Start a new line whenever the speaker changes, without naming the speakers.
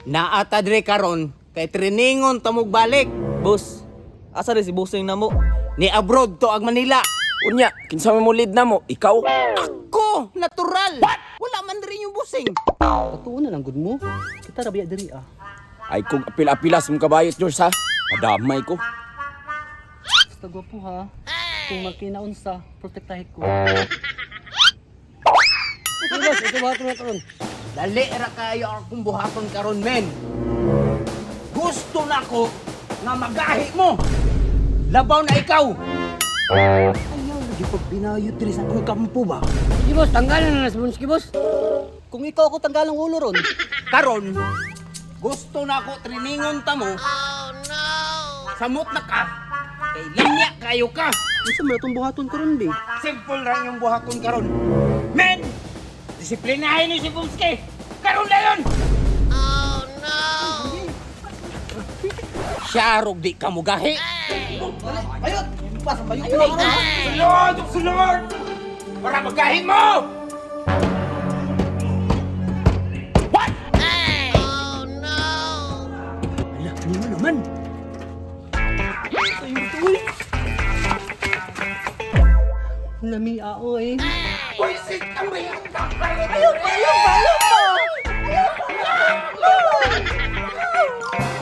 Naata dire karon kay triningon tamog balik.
Boss, asa rin si Bossing na mo?
Ni abroad to ag Manila.
Unya, kinsa mo lead na mo? Ikaw?
Ko, natural. Wala man rin yung busing.
Patuon na lang gud mo. Kita rabiya diri ah.
Ay kung apil-apilas mong kabayot, George, ha? Madamay ko.
Basta gwapo ha. Kung makinaon sa, protektahin ko. Ito boss, ito buhaton na karon.
Dali ra kayo akong buhaton karon men. Gusto na ko nga magahi mo. Labaw na ikaw. Ayaw lagi pag binayot diri sa akong kampo ba?
Sige boss, tanggalan na nas bunski boss. Kung ikaw ako tanggalang ulo ron.
Karon gusto na ko triningon ta mo. Oh no. Samot na ka. Kay linya kayo ka.
Isa mo itong buhaton karon be.
Simple lang yung buhaton karon. Men! Disiplinahin ni si Bumski! Karon na yun! Oh no! Siyarog di ka mugahi!
Ayot! Pasang bayo
Ay, sulod! Sulod! Para magahi mo! What? Oh no! Ala, ano mo naman?
Lami ao eh.
Pwisit ang bayan ka!
Ayot pa!